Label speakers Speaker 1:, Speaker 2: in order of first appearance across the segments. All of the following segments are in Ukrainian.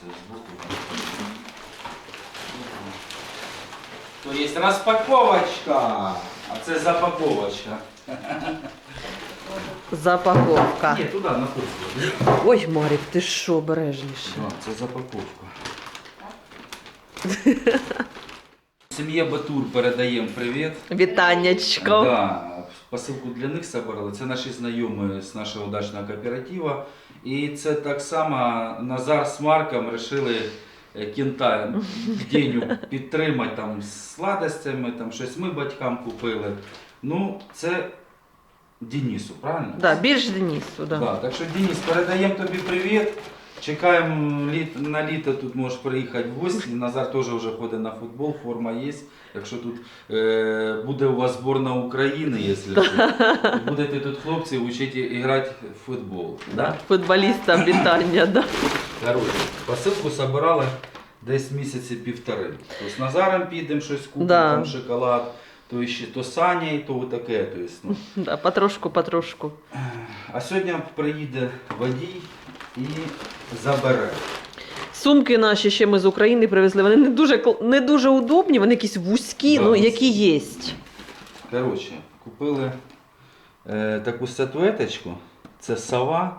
Speaker 1: це збоку. То є розпаковочка, а це запаковочка.
Speaker 2: Запаковка.
Speaker 1: Ні, туди, на кухню.
Speaker 2: Ой, Марік, ти що, обережніше.
Speaker 1: Це запаковка. Сім'є Батур передаємо привіт.
Speaker 2: Вітаннячко.
Speaker 1: Да, посилку для них собрали. Це наші знайомі з нашого дачного кооперативу. І це так само Назар з Марком вирішили кінта Деню підтримати там з сладостями, там щось ми батькам купили. Ну, це Денису, правильно?
Speaker 2: Да, більш Денису, да.
Speaker 1: Да, так що, Денис, передаємо тобі привіт. Чекаємо на літо, тут можеш приїхати в гості. Назар теж вже ходить на футбол, форма є. Якщо тут буде у вас збірна України, якщо що, будете тут хлопці вчити грати в футбол.
Speaker 2: Да. Футболістам вітання, да.
Speaker 1: Короче, посилку собирали десь місяці півтори. То з Назаром підемо щось купимо,
Speaker 2: Да.
Speaker 1: там шоколад, то ще то Саня, то таке. То есть, ну.
Speaker 2: Да, потрошку.
Speaker 1: А сьогодні приїде водій і забере.
Speaker 2: Сумки наші ще ми з України привезли. Вони не дуже удобні, вони якісь вузькі,
Speaker 1: Да.
Speaker 2: ну які є.
Speaker 1: Коротше, купили таку статуеточку. Це сова.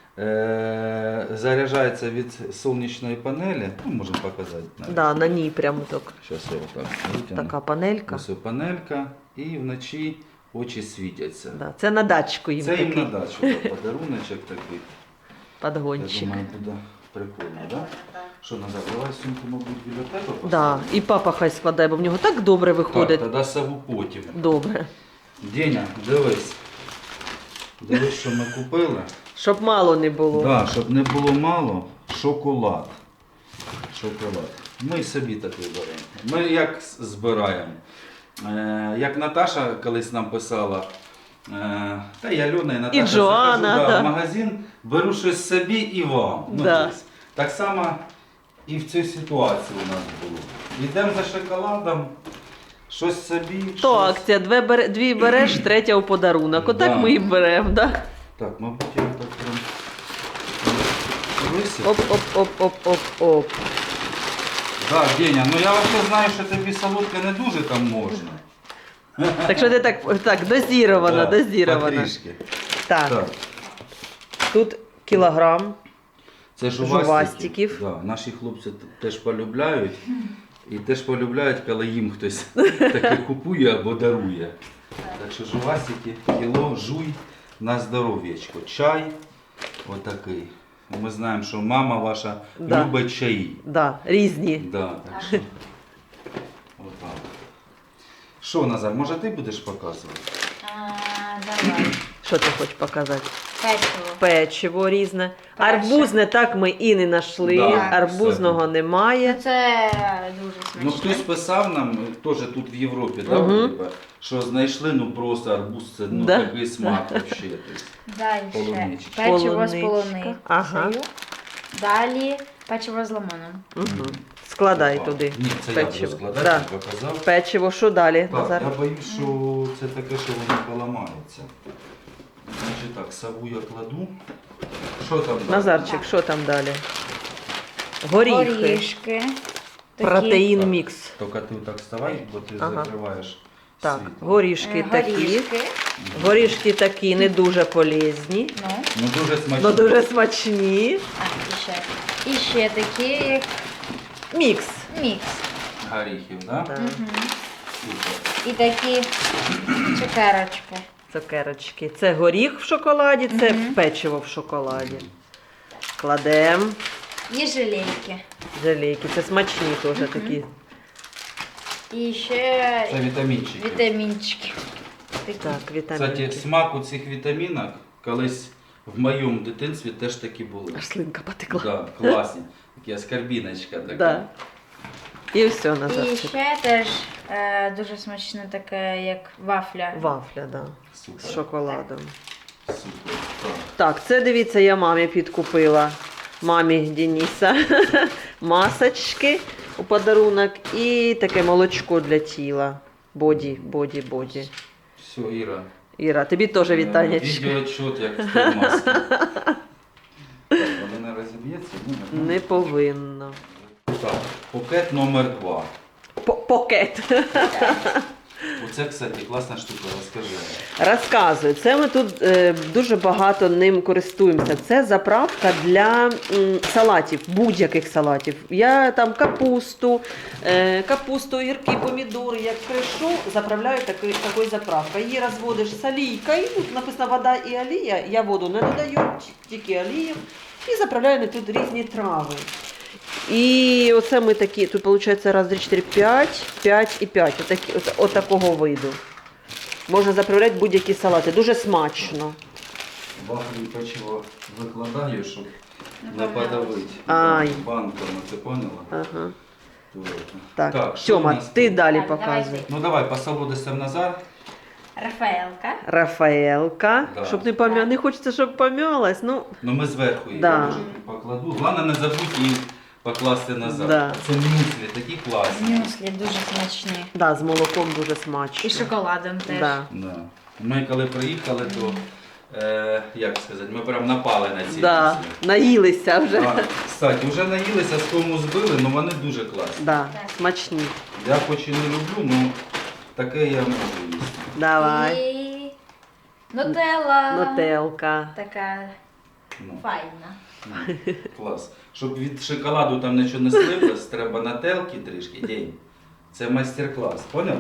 Speaker 1: Заряджається від сонячної панелі. Ну, можемо показати. Навіть.
Speaker 2: Да, на ній прямо так.
Speaker 1: Зараз я отак витягну.
Speaker 2: Така панелька.
Speaker 1: Ось панелька. І вночі очі світяться.
Speaker 2: Да, це на дачку їм
Speaker 1: Це їм
Speaker 2: такий
Speaker 1: на дачу, да, подаруночок такий. Я
Speaker 2: подгончик.
Speaker 1: думаю, буде прикольно, так? Да? Що, Назар, давай сумку, мабуть, біля тебе поставимо?
Speaker 2: Да, і папа хай складає, бо в нього так добре виходить.
Speaker 1: Так, тоді сову потім.
Speaker 2: Добре.
Speaker 1: Деня, дивись. Дивись, що ми купили.
Speaker 2: Щоб мало не було.
Speaker 1: Да, щоб не було мало, шоколад. Шоколад. Ми собі такий беремо. Ми як збираємо. Як Наташа колись нам писала, та і Альона, і Наташа,
Speaker 2: І Джоанна,
Speaker 1: захожу,
Speaker 2: да.
Speaker 1: в магазин, беру щось собі і вам. Ну,
Speaker 2: Да.
Speaker 1: тобто, так само і в цій ситуації у нас було. Йдемо за шоколадом, щось собі.
Speaker 2: То
Speaker 1: щось...
Speaker 2: акція, дві береш, третя у подарунок. Отак
Speaker 1: Да.
Speaker 2: ми і беремо, да?
Speaker 1: Так, мабуть, я так прям висип.
Speaker 2: Оп-оп-оп-оп-оп-оп.
Speaker 1: Так, Деня, ну я взагалі знаю, що тобі солодке не дуже там можна.
Speaker 2: Так що ти так дозіровано,
Speaker 1: Да,
Speaker 2: дозіровано.
Speaker 1: потрішки.
Speaker 2: Так,
Speaker 1: Так,
Speaker 2: тут кілограм.
Speaker 1: це
Speaker 2: Жувастиків.
Speaker 1: Да, наші хлопці теж полюбляють. І теж полюбляють, коли їм хтось таке купує або дарує. Так що жувастики, кіло, жуй на здоров'ячко. Чай отакий. Ми знаємо, що мама ваша
Speaker 2: Да.
Speaker 1: любить чаї.
Speaker 2: Да, різні.
Speaker 1: Да, так що. Отак. Що, Назар, може ти будеш показувати?
Speaker 3: Давай.
Speaker 2: Що ти хочеш показати?
Speaker 3: Печиво.
Speaker 2: Печиво різне.
Speaker 3: Перше.
Speaker 2: Арбузне так ми і не знайшли.
Speaker 1: Да,
Speaker 2: Арбузного
Speaker 1: кстати.
Speaker 2: немає.
Speaker 3: Це дуже
Speaker 1: Ну
Speaker 3: смачно.
Speaker 1: хтось писав нам, теж тут в Європі, да, вроде, що знайшли, ну просто арбуз, це ну,
Speaker 2: Да.
Speaker 1: такий смак взагалі.
Speaker 3: Далі
Speaker 1: Полуничка.
Speaker 3: печиво з
Speaker 2: Полуничка.
Speaker 3: полуницею.
Speaker 2: Ага.
Speaker 3: Далі печиво з лимоном.
Speaker 2: Угу. Складай туди.
Speaker 1: Ні, це я буду
Speaker 2: печиво.
Speaker 1: складати,
Speaker 2: Да.
Speaker 1: не показав.
Speaker 2: Печиво, що далі,
Speaker 1: Так,
Speaker 2: Назар?
Speaker 1: я боюсь, що це таке, що воно поламається. Значить так, сову я кладу. Що там? далі?
Speaker 2: Назарчик, що там далі? Горіхи.
Speaker 3: Горішки. Такі.
Speaker 2: Протеїн мікс.
Speaker 1: Тільки ти так вставай, бо ти
Speaker 2: Ага.
Speaker 1: закриваєш
Speaker 2: Так,
Speaker 1: світло.
Speaker 2: горішки такі.
Speaker 3: Горішки.
Speaker 2: Горішки такі не дуже полезні,
Speaker 3: Ну.
Speaker 1: Ну дуже смачно.
Speaker 2: але дуже смачні.
Speaker 3: А, і ще. І ще такі, як
Speaker 2: Мікс.
Speaker 3: мікс.
Speaker 1: Горіхів, да?
Speaker 2: Да.
Speaker 3: Мгм.
Speaker 1: Супер.
Speaker 3: І такі цукерочки.
Speaker 2: Цукерочки. Це горіх в шоколаді, це
Speaker 3: Мгм.
Speaker 2: печиво в шоколаді. Кладемо.
Speaker 3: І желейки.
Speaker 2: Желейки. Це смачні теж такі.
Speaker 3: І ще
Speaker 1: Це вітамінчики.
Speaker 3: вітамінчики. Такі.
Speaker 2: Так,
Speaker 1: Кстати,
Speaker 2: вітамінки.
Speaker 1: смак у цих вітамінок колись в моєму дитинстві теж такі були.
Speaker 2: Аж слинка потекла.
Speaker 1: Да, класні. Такі аскорбіночка така.
Speaker 2: Да. І все,
Speaker 3: І
Speaker 2: Назарчик.
Speaker 3: ще теж дуже смачне таке, як вафля.
Speaker 2: Вафля, да.
Speaker 1: Супер.
Speaker 2: З шоколадом.
Speaker 1: Супер. Так.
Speaker 2: Так, це дивіться, я мамі підкупила. Мамі Дениса. Масочки у подарунок і таке молочко для тіла. Боді.
Speaker 1: Все, Іра.
Speaker 2: Іра, тобі теж вітання.
Speaker 1: Відеоотчет, як в той масці. Так, вони розіб'ється?
Speaker 2: Не повинно.
Speaker 1: Так, пакет номер 2.
Speaker 2: Покет.
Speaker 1: Оце, кстати, класна штука, розкажи.
Speaker 2: Розказую, це ми тут дуже багато ним користуємося. Це заправка для салатів, будь-яких салатів. Я там капусту, огірки, помідори, як кришу, заправляю такою заправкою. Її розводиш з олійкою, тут написано вода і олія, я воду не додаю, тільки олію, і заправляю на тут різні трави. І оце ми такі, тут виходить раз, 2, 4, 5 і 5, от такого виду. Можна заправляти будь-які салати, дуже смачно.
Speaker 1: Вафлі печиво викладаю, щоб не
Speaker 3: Наповнялось.
Speaker 1: подавити.
Speaker 2: Ай.
Speaker 1: Банками, ти поняла?
Speaker 2: Ага.
Speaker 1: Так,
Speaker 2: Так,
Speaker 1: що у
Speaker 2: Тьома,
Speaker 1: нас
Speaker 2: ти
Speaker 1: тут?
Speaker 2: далі
Speaker 3: Так,
Speaker 2: показуй.
Speaker 3: давайте.
Speaker 1: Ну давай, посолодися Назар.
Speaker 3: Рафаелка.
Speaker 2: Рафаелка,
Speaker 1: Да.
Speaker 2: щоб не хочеться, щоб пом'ялась, ну,
Speaker 1: Ну ми зверху її
Speaker 2: Да.
Speaker 1: вже покладу. Головне не забудь її покласти назад.
Speaker 2: Да.
Speaker 1: Це мюслі, такі класні.
Speaker 3: Мюслі дуже смачні.
Speaker 2: да, з молоком дуже смачно.
Speaker 3: І шоколадом теж.
Speaker 2: Да.
Speaker 1: Да. Ми коли приїхали, то як сказати, ми прям напали на ці
Speaker 2: Да.
Speaker 1: мюслі.
Speaker 2: Наїлися вже.
Speaker 1: А, кстати, вже наїлися, з кому збили, але вони дуже класні.
Speaker 2: Да, смачні.
Speaker 1: Я хоч і не люблю, але таке я можу їсти.
Speaker 2: Давай.
Speaker 3: І нутелла.
Speaker 2: Нутелка.
Speaker 3: Така
Speaker 1: Ну,
Speaker 3: файна.
Speaker 1: клас. Щоб від шоколаду там нічого не слиплось, треба на телки трішки день. Це майстер-клас, поняв?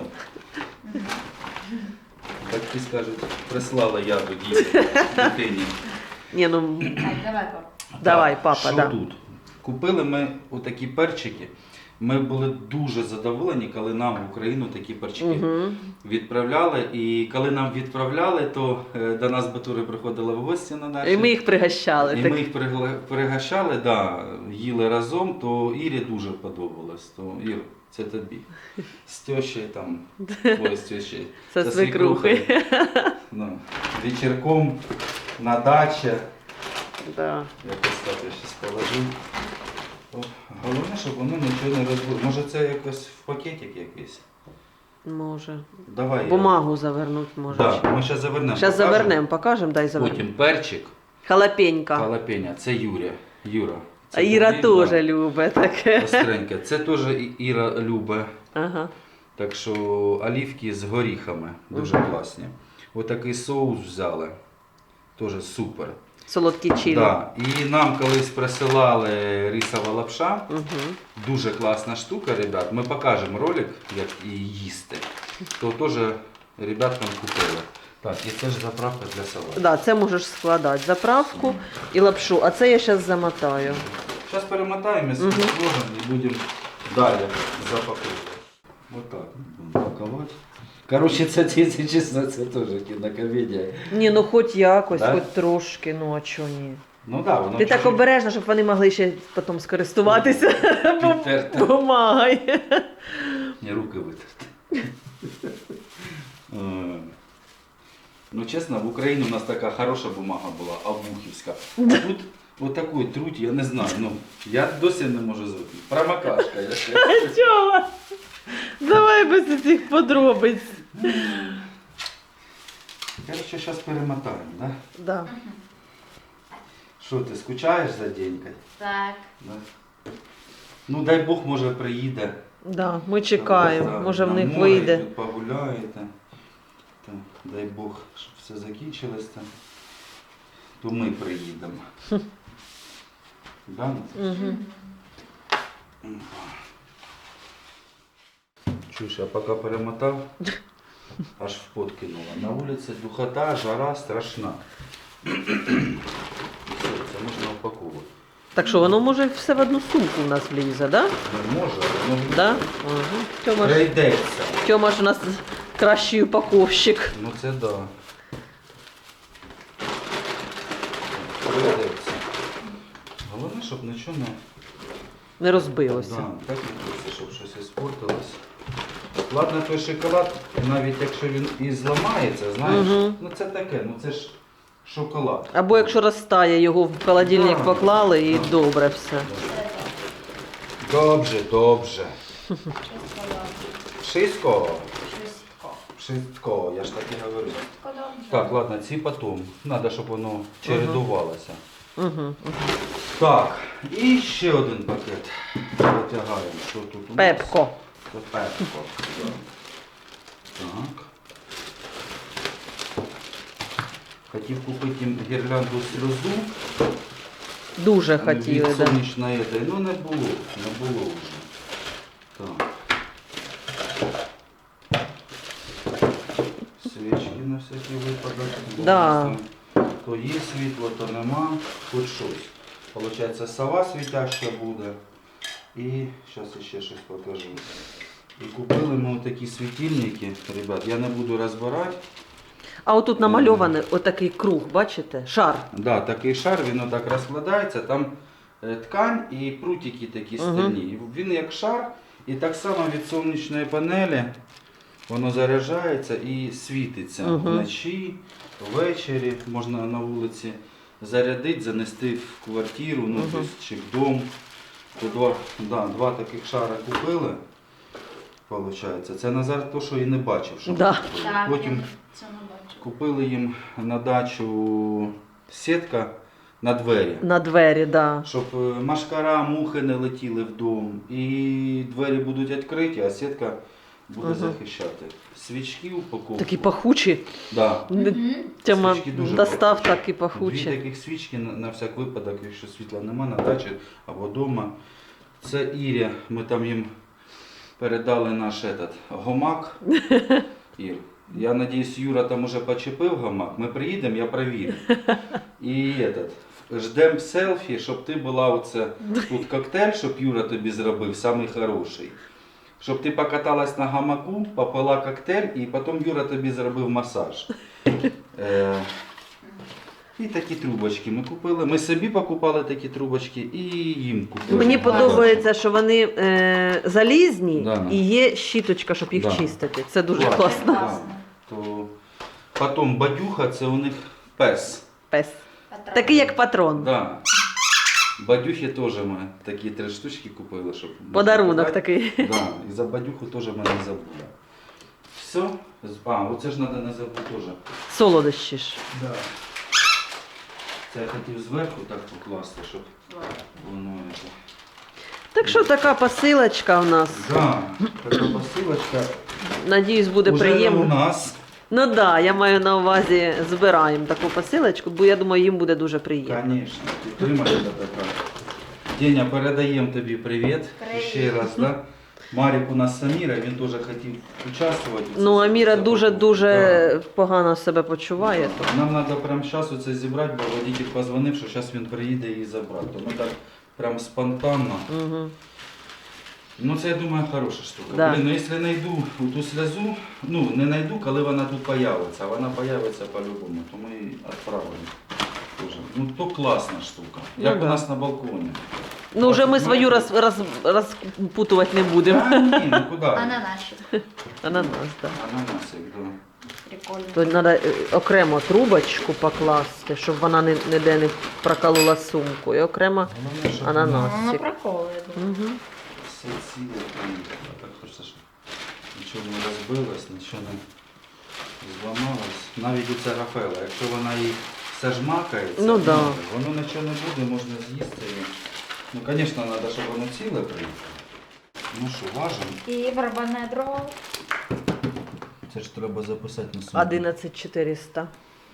Speaker 1: Так ти скажуть, прислала я до дитині.
Speaker 2: Ні, ну,
Speaker 3: Так, давай, пап.
Speaker 2: Давай,
Speaker 1: Так,
Speaker 2: папа,
Speaker 1: що
Speaker 2: да.
Speaker 1: тут? Купили ми отакі перчики. Ми були дуже задоволені, коли нам в Україну такі перчики
Speaker 2: угу.
Speaker 1: відправляли. І коли нам відправляли, то до нас батури приходили в гості на наші.
Speaker 2: І ми їх пригощали.
Speaker 1: І
Speaker 2: так.
Speaker 1: ми їх пригощали, да, їли разом, то Ірі дуже подобалось. То Ір, це тобі. З тещею там, ой, з тещею.
Speaker 2: Це
Speaker 1: Це
Speaker 2: свекрухи.
Speaker 1: Ну, вечірком на дачі.
Speaker 2: Да.
Speaker 1: Якось так я зараз положу. О, головне, щоб воно нічого не розбило. Може це якось в пакетик якийсь?
Speaker 2: Може.
Speaker 1: Давай.
Speaker 2: Бумагу завернуть може.
Speaker 1: Так, ми зараз завернемо.
Speaker 2: Зараз
Speaker 1: покажемо.
Speaker 2: завернемо, покажемо, дай завернемо.
Speaker 1: Потім перчик,
Speaker 2: Халапенька.
Speaker 1: халапеня. Це Юра.
Speaker 2: А
Speaker 1: Це
Speaker 2: Іра
Speaker 1: тобі,
Speaker 2: теж любить таке.
Speaker 1: Остреньке. Це теж Іра любить.
Speaker 2: Ага.
Speaker 1: Так що олівки з горіхами. Дуже класні. Отакий соус взяли. Теж супер.
Speaker 2: Солодкі чилі.
Speaker 1: Да. І нам колись присилали рисова лапша.
Speaker 2: Угу.
Speaker 1: Дуже класна штука, ребят. Ми покажемо ролик, як її їсти. То теж ребяткам купили. Так, і це ж заправка для салату.
Speaker 2: Да, це можеш складати заправку і лапшу, а це я зараз замотаю.
Speaker 1: Зараз перемотаємо,
Speaker 2: Мгм.
Speaker 1: сложимо і будемо далі запаковувати. Отак будемо пакувати. Коротше, це, якщо чесно, це теж кінокомедія.
Speaker 2: Ні, ну хоч якось,
Speaker 1: Да?
Speaker 2: хоч трошки, ну а чого ні.
Speaker 1: Ну так, да, воно
Speaker 2: Ти так
Speaker 1: чуть-чуть
Speaker 2: обережно, щоб вони могли ще потім скористуватися
Speaker 1: підтерте.
Speaker 2: бумагою.
Speaker 1: Ні, руки витерти. Ну, чесно, в Україні у нас така хороша бумага була, авбухівська. А тут отакий труть, я не знаю. Ну, я досі не можу звикнути. Промокашка.
Speaker 2: Чого? Давай без цих подробиць.
Speaker 1: Короче, зараз перемотаємо, да?
Speaker 2: Да.
Speaker 1: Що, ти скучаєш за денькою?
Speaker 3: Так.
Speaker 1: Да? Ну, дай Бог, може, приїде.
Speaker 2: Да, ми чекаємо,
Speaker 1: Да,
Speaker 2: може в
Speaker 1: на
Speaker 2: них
Speaker 1: море,
Speaker 2: вийде.
Speaker 1: тут погуляєте. Там, дай Бог, щоб все закінчилось там. То ми приїдемо. Да?
Speaker 2: Угу.
Speaker 1: Чуєш, я поки перемотав, аж в пот кинула. На вулиці духота, жара страшна. Все, це можна упаковувати.
Speaker 2: Так що воно може все в одну сумку у нас влізе, да?
Speaker 1: Не може, воно
Speaker 2: Да? Угу. Тьома ж,
Speaker 1: прийдеться.
Speaker 2: Тьома ж у нас кращий упаковщик.
Speaker 1: Ну це да. Прийдеться. Головне, щоб нічого не...
Speaker 2: Не розбилося.
Speaker 1: Да, так не хочеться, щоб щось іспортилось. Ладно, той шоколад, навіть якщо він і зламається, знаєш,
Speaker 2: Мгм.
Speaker 1: ну це таке, ну це ж шоколад.
Speaker 2: Або якщо розтає, його в холодильник
Speaker 1: Да.
Speaker 2: поклали і
Speaker 1: Да.
Speaker 2: добре все.
Speaker 1: Добре, добре. Wszystko.
Speaker 3: Wszystko.
Speaker 1: Wszystko, я ж так і говорю.
Speaker 3: Wszystko dobrze.
Speaker 1: Так, ладно, ці потом. Надо, щоб воно чередувалося.
Speaker 2: Угу.
Speaker 1: Так, і ще один пакет. Витягаємо, що тут у нас.
Speaker 2: Пепко.
Speaker 1: Це Пепко. Да. Так. Хотів купити їм гірлянду сльозу.
Speaker 2: Дуже хотіли,
Speaker 1: Від
Speaker 2: да.
Speaker 1: сонячної ети. Ну не було вже. Так. Свічки на всякий випадок.
Speaker 2: Да.
Speaker 1: То є світло, то нема. Хоч щось. Получається, сова світяща буде. І зараз ще щось покажу. І купили ми такі світильники, ребят, я не буду розбирати.
Speaker 2: А отут намальований отакий круг, бачите? Шар.
Speaker 1: Да, такий шар, він отак розкладається, там ткань і прутики такі стальні. І він як шар, і так само від сонячної панелі воно заряджається і світиться вночі, ввечері, можна на вулиці зарядити, занести в квартиру, ну, тобто, чи в дом. То два таких шара купили, виходить. Це Назар то, що і не бачив, що
Speaker 2: Да.
Speaker 1: купили.
Speaker 3: Так,
Speaker 1: Потім
Speaker 3: я це не бачу.
Speaker 1: купили їм на дачу сітка на двері,
Speaker 2: На двері, да.
Speaker 1: щоб машкара, мухи не летіли в дом. І двері будуть відкриті, а сітка буде захищати. Свічки упаковку.
Speaker 2: Такі пахучі.
Speaker 1: Да.
Speaker 2: Тьома
Speaker 1: Свічки дуже
Speaker 2: достав такі
Speaker 1: Дві
Speaker 2: пахучі.
Speaker 1: таких свічки на всяк випадок, якщо світла нема на дачі або вдома. Це Іря, ми там їм передали наш гамак. Ір. Я надіюсь, Юра там уже почепив гамак. Ми приїдемо, я перевірю. І ждемо селфі, щоб ти була оце, тут коктейль, щоб Юра тобі зробив, самий хороший. Щоб ти покаталась на гамаку, попила коктейль і потім Юра тобі зробив масаж. І такі трубочки ми купили. Ми собі покупали такі трубочки і їм купили.
Speaker 2: Мені подобається, що вони залізні
Speaker 1: Да.
Speaker 2: і є щіточка, щоб їх
Speaker 1: Да.
Speaker 2: чистити. Це дуже
Speaker 1: Класно.
Speaker 2: класно.
Speaker 1: Да. То... Потім бадюха, це у них пес.
Speaker 2: Пес. Такий як патрон.
Speaker 1: Да. Бадюхи теж ми такі 3 штучки купили, щоб...
Speaker 2: Подарунок
Speaker 1: такий.
Speaker 2: такий.
Speaker 1: Да. І за бадюху теж ми не забули. Все. Оце ж треба не забути теж.
Speaker 2: Солодощі ж.
Speaker 1: Да. Це я хотів зверху так покласти, щоб воно...
Speaker 2: Так що така посилочка у нас.
Speaker 1: Да, така посилочка.
Speaker 2: Надіюсь, буде
Speaker 1: Уже не у
Speaker 2: приємно.
Speaker 1: нас.
Speaker 2: Ну так, да, я маю на увазі, збираємо таку посилочку, бо я думаю, їм буде дуже приємно.
Speaker 1: Звісно, підтримай це така. Деня, передаємо тобі привіт.
Speaker 3: Привіт.
Speaker 1: Ще раз, да? Марік у нас Аміра, він теж хотів участвувати.
Speaker 2: Ну, Аміра
Speaker 1: Це
Speaker 2: дуже-дуже погано себе почуває. То.
Speaker 1: Нам треба прямо зараз це зібрати, бо водитель позвонив, що зараз він приїде і забрати. То ми так прям спонтанно.
Speaker 2: Угу.
Speaker 1: Ну це, я думаю, хороша штука.
Speaker 2: Да.
Speaker 1: Блін, ну якщо знайду ту сльозу, ну не знайду, коли вона тут появиться, а вона появиться по-любому, то ми її відправимо. Тоже. Ну то класна штука.
Speaker 2: Ну,
Speaker 1: Як
Speaker 2: да.
Speaker 1: у нас на балконі.
Speaker 2: Ну, вже ми свою розпутувати не будемо.
Speaker 1: Та ні, ну куди?
Speaker 3: Ананасик.
Speaker 2: Ананас, так.
Speaker 1: Ананасик, да.
Speaker 3: Прикольно.
Speaker 2: То треба окремо трубочку покласти, щоб вона ніде не проколола сумку. І окремо
Speaker 1: Головне, щоб
Speaker 2: ананас.
Speaker 3: Воно приколує.
Speaker 2: Угу.
Speaker 1: все ціле приїхало. Так хочеться, щоб нічого не розбилось, нічого не зламалось. Навіть у це Рафаела, якщо вона їй все жмакається,
Speaker 2: Ну, да.
Speaker 1: воно нічого не буде, можна з'їсти. Ну, звісно, треба, щоб воно ціле приїхало. Ну що, важимо.
Speaker 3: І барабанне дрова.
Speaker 1: Це ж треба записати на сумку.
Speaker 2: 11400.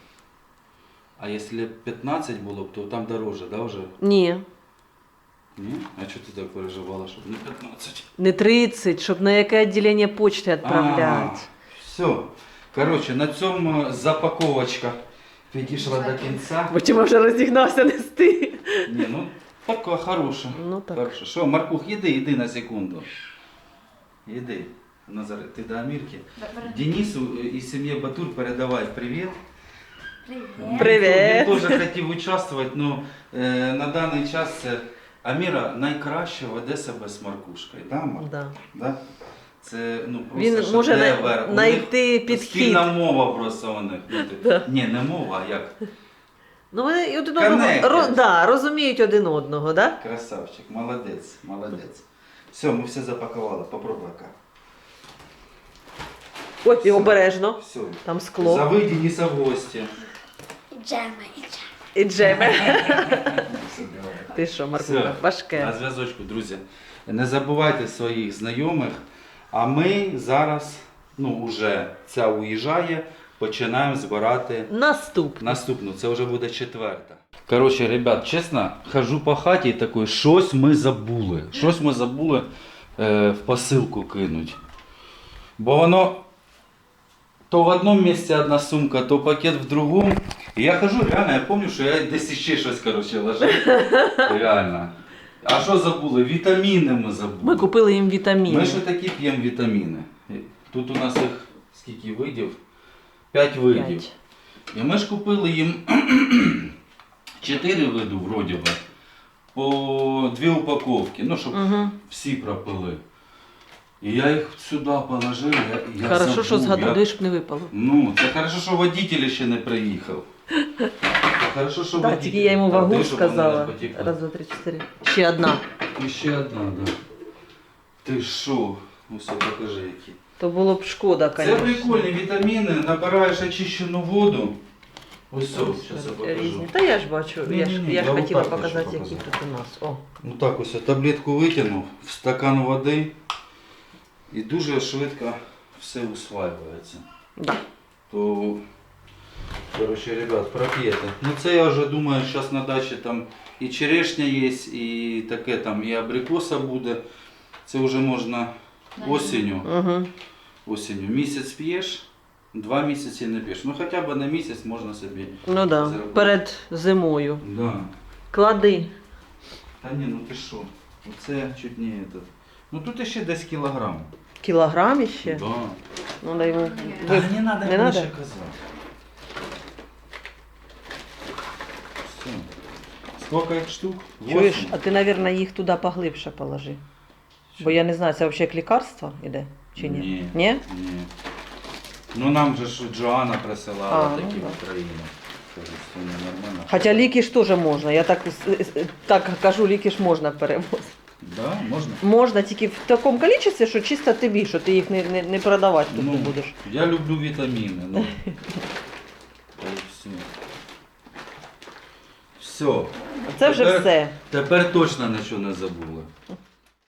Speaker 1: А якщо 15 було б, то там дороже, да, вже?
Speaker 2: Ні,
Speaker 1: Ні? А чого ти так переживала, щоб не 15?
Speaker 2: не 30, щоб на яке відділення почти відправляти.
Speaker 1: Все. Коротше, на цьому запаковочка підійшла до кінця.
Speaker 2: Бо чому вже розігнався нести.
Speaker 1: Ні, ну така хороша.
Speaker 2: Ну так.
Speaker 1: Хороша. Що, Маркух, іди на секунду. Іди. Назар, ти до Амірки. Денису і сім'ї Батур передавай привіт.
Speaker 3: Привіт.
Speaker 2: Привіт.
Speaker 1: Він теж хотів участвувати, але на даний час це Аміра найкраще веде себе з Маркушкою. Да, Марк?
Speaker 2: Да.
Speaker 1: Да? Це ну, просто
Speaker 2: Він може
Speaker 1: шедевр. У
Speaker 2: знайти
Speaker 1: них
Speaker 2: підхід.
Speaker 1: Спільна мова просто у них. Ні, не мова, а як?
Speaker 2: Ну вони один
Speaker 1: Connected.
Speaker 2: одного розуміють один одного, да?
Speaker 1: Красавчик, молодець, молодець. Все, ми все запакували, попробуй яка.
Speaker 2: Ой, і обережно.
Speaker 1: Все.
Speaker 2: Там скло.
Speaker 1: Зови Дениса в гості.
Speaker 3: Джема і джема.
Speaker 2: І джеми.
Speaker 1: Все, давай.
Speaker 2: Ти що, Маркуха,
Speaker 1: Все, на
Speaker 2: важке.
Speaker 1: зв'язочку, друзі. Не забувайте своїх знайомих, а ми зараз, вже ця уїжджає, починаємо збирати наступну. Це вже буде 4-та. Коротше, ребят, чесно, хожу по хаті і такий, щось ми забули. Щось ми забули в посилку кинуть. Бо воно то в одному місці одна сумка, то пакет в другому. І я хожу, реально, я пам'ятаю, що я десь ще щось, лежав. Реально. А що забули? Вітаміни ми забули.
Speaker 2: Ми купили їм вітаміни.
Speaker 1: Ми ще такі п'ємо вітаміни. Тут у нас їх скільки видів? 5 видів.
Speaker 2: 5.
Speaker 1: І ми ж купили їм 4 види, вроді би, по 2 упаковки, щоб всі пропили. І я їх сюди положив, я
Speaker 2: Хорошо,
Speaker 1: забув.
Speaker 2: що згадуєш, щоб не випало.
Speaker 1: Це хорошо, що водитель ще не приїхав. Хорошо, що
Speaker 2: Так,
Speaker 1: водитель.
Speaker 2: тільки я йому вагу
Speaker 1: Ти, щоб вони
Speaker 2: сказала.
Speaker 1: не потекли.
Speaker 2: Раз, два, три, 4. Ще одна.
Speaker 1: І ще одна, да. Ти що? Ось покажи які.
Speaker 2: То було б шкода,
Speaker 1: Це
Speaker 2: звісно.
Speaker 1: прикольні вітаміни, набираєш очищену воду. Ось зараз я покажу.
Speaker 2: Різні. Та я ж бачу, я ж
Speaker 1: Я
Speaker 2: хотіла
Speaker 1: отак
Speaker 2: показати,
Speaker 1: хочу
Speaker 2: які
Speaker 1: показати.
Speaker 2: тут у нас. О.
Speaker 1: Ну так ось я таблетку витягнув, в стакан води і дуже швидко все усваюється.
Speaker 2: Да.
Speaker 1: То, короче, ребят, проп'єте. Це я вже думаю, зараз на дачі там і черешня є, і таке там, і абрикоса буде. Це вже можна осінню.
Speaker 2: Угу.
Speaker 1: Осінню. Місяць п'єш, 2 місяці не п'єш. Хоча б на місяць можна собі.
Speaker 2: Ну да,
Speaker 1: зробити.
Speaker 2: перед зимою.
Speaker 1: Да.
Speaker 2: Клади.
Speaker 1: Та ні, ти що? Оце чуть не этот. Тут ще десь кілограм.
Speaker 2: Кілограм іще?
Speaker 1: Да.
Speaker 2: Ну дай йому.
Speaker 1: Та не треба
Speaker 2: Не
Speaker 1: більше
Speaker 2: надо?
Speaker 1: казати. Все. Сколько їх штук?
Speaker 2: Чуєш,
Speaker 1: 8?
Speaker 2: а ти, мабуть, їх туди поглибше положи. Бо я не знаю, це взагалі як лікарство іде? Чи ні?
Speaker 1: Ні.
Speaker 2: Ні?
Speaker 1: Ні. Нам же ж Джоанна присилала
Speaker 2: А,
Speaker 1: такі
Speaker 2: ну
Speaker 1: в Україну. Кажуть, що не нормально.
Speaker 2: Хоча ліки ж теж можна. Я так кажу, ліки ж можна перевозити.
Speaker 1: Да, можна?
Speaker 2: Можна тільки в такому кількості, що чисто тобі, що ти їх не продавати тут не будеш.
Speaker 1: Я люблю вітаміни. Та й все. Все.
Speaker 2: Це вже все.
Speaker 1: Тепер точно нічого не забули.